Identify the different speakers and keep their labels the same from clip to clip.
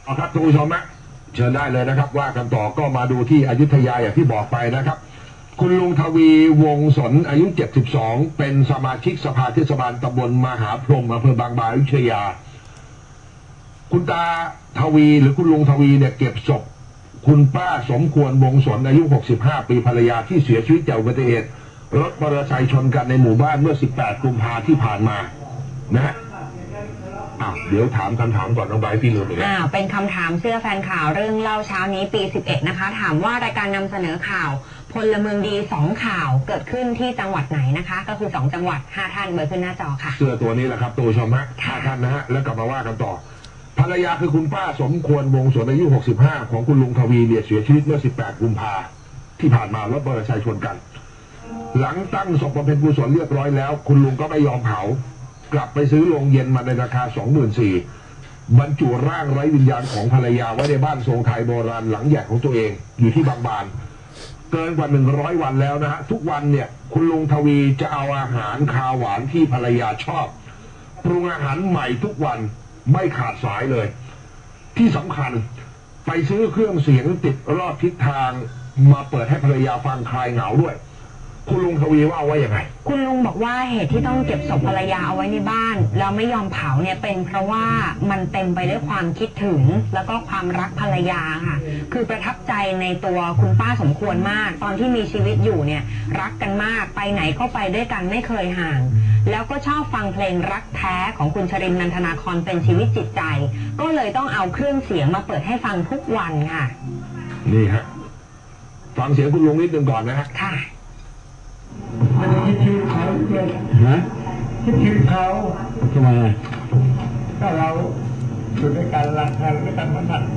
Speaker 1: เอาครับทุกผู้ชมนะเชิญได้เลยนะครับว่ากันต่อก็มาดูที่อยุธยาอย่างที่บอกไปนะครับคุณลุงทวีวงศลอายุ72เป็นสมาชิกสภาเทศบาลตำบลมหาพรหมอำเภอบางบานอยุธยาคุณตาทวีหรือคุณลุงทวีเนี่ยเก็บศพคุณป้าสมควรวงศลอายุ65ปีภรรยาที่เสียชีวิตจากอุบัติเหตุรถมอเตอร์ไซค์ชนกันในหมู่บ้านเมื่อ18กุมภาพันธ์ที่ผ่านมานะฮะเดี๋ยวถามคำถามก่อนน้องใบพี่ลืมอีกแล้ว
Speaker 2: เป็นคำถามเสื้อแฟนข่าวเรื่องเล่าเช้านี้ปี11นะคะถามว่ารายการนำเสนอข่าวพลเมืองดี2ข่าวเกิดขึ้นที่จังหวัดไหนนะคะก็คือ2จังหวัด5ท่านเบอร์ขึ้นหน้าจอค่ะ
Speaker 1: เสื้อตัวนี้แหละครับตัวชมฮะ5ท่านนะฮะแล้วกลับมาว่ากันต่อภรรยาคือคุณป้าสมควรวงศลอายุ65ของคุณลุงทวีเนี่ยเสียชีวิตเมื่อ18กุมภาพันธ์ที่ผ่านมารถมอเตอร์ไซค์ชนกันหลังตั้งศพบำเพ็ญกุศลเรียบร้อยแล้วคุณลุงก็ไม่ยอมเผากลับไปซื้อโรงเย็นมาในราคา 24,000 บรรจุร่างไร้วิญญาณของภรรยาไว้ในบ้านทรงไทยโบราณหลังใหญ่ของตัวเองอยู่ที่บางบานเกินกว่า100วันแล้วนะฮะทุกวันเนี่ยคุณลุงทวีจะเอาอาหารคาวหวานที่ภรรยาชอบปรุงอาหารใหม่ทุกวันไม่ขาดสายเลยที่สำคัญไปซื้อเครื่องเสียงติดรอบทิศทางมาเปิดให้ภรรยาฟังคลายเหงาด้วยคุณลุงทวีว่าไว้ยังไง
Speaker 2: คุณลุงบอกว่าเหตุที่ต้องเก็บศพภรรยาเอาไว้ในบ้านแล้วไม่ยอมเผาเนี่ยเป็นเพราะว่ามันเต็มไปด้วยความคิดถึงแล้วก็ความรักภรรยาค่ะคือประทับใจในตัวคุณป้าสมควรมากตอนที่มีชีวิตอยู่เนี่ยรักกันมากไปไหนก็ไปด้วยกันไม่เคยห่างแล้วก็ชอบฟังเพลงรักแท้ของคุณชรินทร์ นันทนาครเป็นชีวิตจิตใจก็เลยต้องเอาเครื่องเสียงมาเปิดให้ฟังทุกวันค่ะ
Speaker 1: นี่ฮะฟังเสียงคุณลุงนิดนึงก่อนนะฮะ
Speaker 2: ค่ะ
Speaker 3: มันคิดชื่อเขาเลยนะคิดชื่อเขา
Speaker 1: ทำไม
Speaker 3: ก็เราอยู่ด้วยกันรักกันด้วยกันมาหนักไป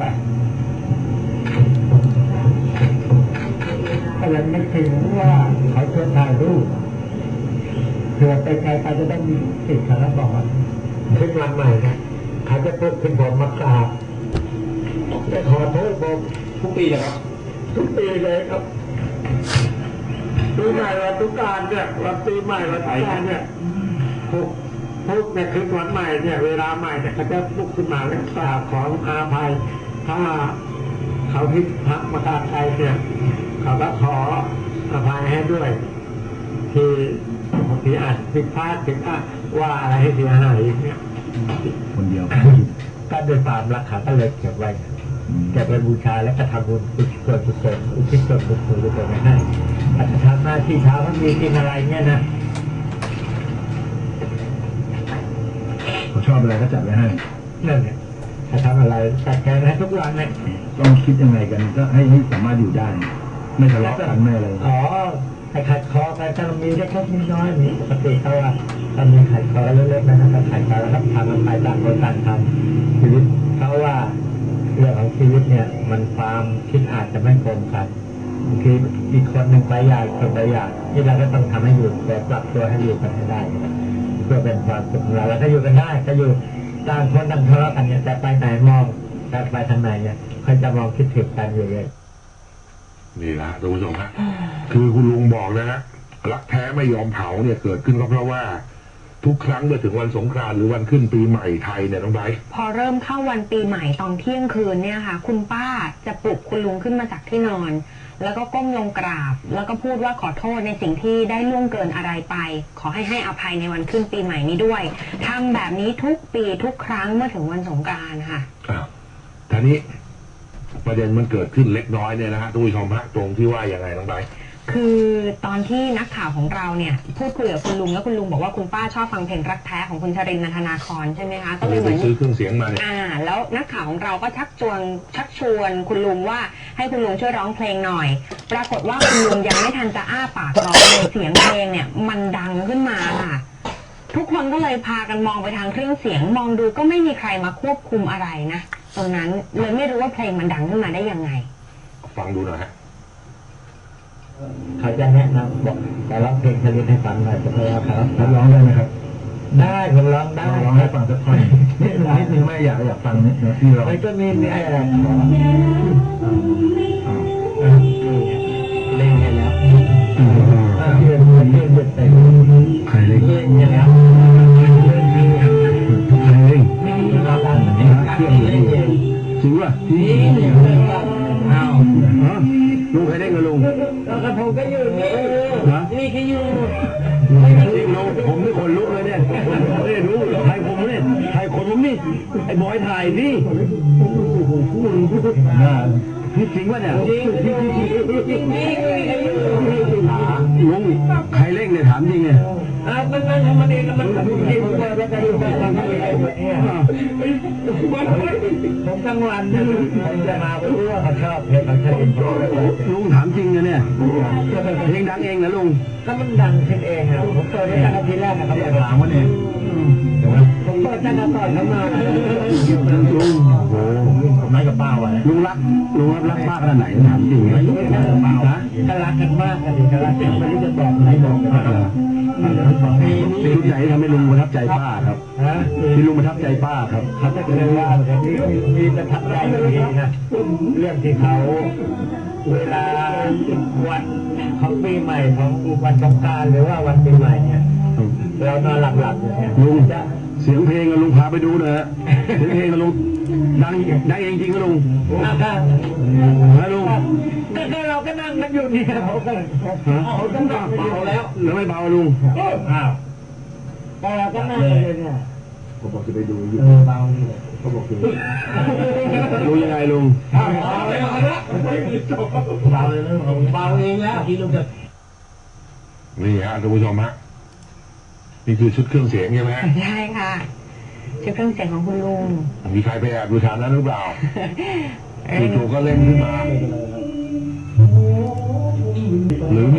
Speaker 3: ก็ยังนึกถึงว่าเขาจะถ่ายรูปเผื่อไปไกลไปจะได้มีติดขาบอกขึ้นวันใหม่นะเขาจะพูดขึ้นผมมากราบจะขอโทษผม
Speaker 1: ทุกปีเลยครับ
Speaker 3: ทุกปีเลยครับปีใหม่วันทุกการเนี่ยวันปีใหม่วันทุกการเนี่ยพุกเนี่ยคือวันใหม่เนี่ยเวลาใหม่เนี่ยเขาจะลุกขึ้นมาแล้วกราบขออาภัยถ้าเขาพิทักษ์มาตาใครเนี่ยเขาก็ขออภัยให้ด้วยที่บางทีอาจผิดพลาดถึงว่าอะไรให้เสียหายเนี่ย
Speaker 1: คนเดียว
Speaker 3: ก็โดยความรักเขาก็เลยเก็บไว้เก็บไว้บูชาแล้วก็ทำบุญอุทิศส่วนกุศลอุทิศส่วนบุญกุศลให้อาจจะทำหน้าที่เช้าเขามีกินอะไรเนี่ยนะ
Speaker 1: เขาชอบอะไรก็จัดไว้ให้
Speaker 3: นั่นเนี่ยจะทำอะไรจัดแกงให้ทุกวันเนี่ย
Speaker 1: ต้องคิดยังไงกันก็ให้สามารถอยู่ได้ไม่ทะเลาะกันไม่อะไร
Speaker 3: ให้ขัดคอกันถ้ามีเล็กๆน้อยๆมีปกติเขาว่าถ้ามีขัดคอเล็กๆนะครับขัดคอแล้วก็ทำมันไปต่างคนต่างทำชีวิตเขาว่าเรื่องของชีวิตเนี่ยมันความคิดอาจจะไม่ตรงกันคืออีกคนหนึ่งไปอยากคนไปอยากที่เราก็ต้องทำให้อยู่แต่ปรับตัวให้อยู่กันให้ได้เพื่อเป็นความสุขของเราแล้วถ้าอยู่กันได้ก็อยู่ต่างคนต่างทะเลาะกันเนี่ยแต่ไปไหนมองแต่ไปทางไหนเนี่ยเขาจะมองคิดถึงกันอยู่เลย
Speaker 1: นี่แหละท่านผู้ชมฮะคือคุณลุงบอกนะฮะรักแท้ไม่ยอมเผาเนี่ยเกิดขึ้นก็เพราะว่าทุกครั้งเมื่อถึงวันสงกรานต์หรือวันขึ้นปีใหม่ไทยเนี่ยน้องไบร์ท
Speaker 2: พอเริ่มเข้าวันปีใหม่ตอนเที่ยงคืนเนี่ยค่ะคุณป้าจะปลุกคุณลุงขึ้นมาจากที่นอนแล้วก็ก้มลงกราบแล้วก็พูดว่าขอโทษในสิ่งที่ได้ล่วงเกินอะไรไปขอให้อภัยในวันขึ้นปีใหม่นี้ด้วยทำแบบนี้ทุกปีทุกครั้งเมื่อถึงวันสงกรานต์ค่ะ
Speaker 1: ทีนี้ประเด็นมันเกิดขึ้นเล็กน้อยเนี่ยนะฮะทุกผู้ชมฮะตรงที่ว่าอย่างไรน้องไบร์ท
Speaker 2: คือตอนที่นักข่าวของเราเนี่ยพูดคุยกับคุณลุงแล้วคุณลุงบอกว่าคุณป้าชอบฟังเพลงรักแท้ของคุณชรินทร์ นันทนาครใช่ไหมคะ
Speaker 1: ก็เลยเหมือนซื้อเครื่องเสียงมาเนี่ย
Speaker 2: แล้วนักข่าวของเราก็ชักชวนคุณลุงว่าให้คุณลุงช่วยร้องเพลงหน่อยปรากฏว่าคุณลุงยังไม่ทันจะอ้าปากร้องเลยเสียงเพลงเนี่ยมันดังขึ้นมาค่ะทุกคนก็เลยพากันมองไปทางเครื่องเสียงมองดูก็ไม่มีใครมาควบคุมอะไรนะตรงนั้นเลยไม่รู้ว่าเพลงมันดังขึ้นมาได้ยังไง
Speaker 1: ฟังดูหน่อยฮะ
Speaker 3: เขาจะแนะนำบอกแต่ร้องเพลงชลิดให้ฟังหน่อยจะพยายามครับร้องได้ไหมครับได้ผมร้องได้
Speaker 1: ร้องให้ฟังสักท่อนนิดนึงไม่อยากฟังนี่ที่เรา
Speaker 3: ก็มีอะไรขอเล่นให้แล้วเล่นไป
Speaker 1: ใครเล่น
Speaker 3: เล่นให้แล้ว
Speaker 1: ใครเล่น
Speaker 3: เราดังแบบนี้เครื่อง
Speaker 1: เสี
Speaker 4: ริงป่ะจริงอ้าวลุงเคยได้เงินลุง
Speaker 3: แล้วกระผมก็อยู่นี่
Speaker 4: ฮะ
Speaker 3: นี่ก็อยู่
Speaker 4: จริงลุงผมนี่ขนลุกเลยเนี่ยไม่ได้รู้ใครผมเนี่ยใครคนผมนี่ไอ้บอยถ่ายนี่นี่จริงป่ะเนี่ย
Speaker 3: จริงจริงนี่ก็อยู่
Speaker 4: ลุงใครเร่งเนี่ยถามจริงเนี่ย
Speaker 3: มันทำมันเองมันทำเองแล้วก็อยู่บ้านผมทั้งวันผมจะมาเพราะว่าเขาชอบเพลงเขาชอบ
Speaker 4: ลุงถามจริงนะเนี่ยเพลงดังเองนะลุง
Speaker 3: แล้วมันดังขึ้นเองอ่ะผมเปิดได้ตั้งแต่ทีแรกนะครับ
Speaker 4: ถามว่าเนี่ย
Speaker 3: ผมเปิดตั้งแต่ตอนเข้ามา
Speaker 4: ลุงโอ้ผมนัดกับป้าไว้ลุงรักป้าขนาดไหนถามจริงนะฮะ
Speaker 3: ก็รักกันมากกันดีก็รักกันไม่รู้จะบอกไหนบอกกัน
Speaker 4: เป็นชุดไหนทำให้ลุงประทับใจป้าครับ
Speaker 3: ฮะ
Speaker 4: ที่ลุงประทับใจป้าครับ
Speaker 3: เขาจะเรียกว่ามีประทับใจดีนะเรื่องที่เขาเวลาวันของปีใหม่ของวันสงกรานต์หรือว่าวันปีใหม่เนี่ยเรานอนหลับๆเนี่ย
Speaker 4: ลุง
Speaker 3: จะ
Speaker 4: เสียงเพลงอะลุงพาไปดูหน่อยฮะเสียงเพลงอะลุงดังเองจริงนะลุง
Speaker 3: ถ้า
Speaker 4: นะลุง
Speaker 3: ก็เราก็นั่งกันอยู่เนี่ยเขาก็นั่งเบาแล้ว
Speaker 4: แล้วไม่เบาลุง
Speaker 3: อ้าวแต่เราก็นั่งกันอยู่เนี่ย
Speaker 4: ผมบอกจะไปดูอยู่
Speaker 3: เบานี่
Speaker 4: เขาบอกจะลุงยังไงลุง
Speaker 3: เบาเลยเบาเลยเบาเองแล้วที่ลุงจะ
Speaker 1: นี่ฮะท่านผู้ชมฮะนี่คือชุดเครื่องเสียงใช่ไหมฮะ
Speaker 2: ใช่ค่ะชุดเครื่องเสียงของคุณลุง
Speaker 1: มีใครไปแอบดูทางนั้นหรือเปล่าจู่ๆก็เล่นขึ้นมาหรือ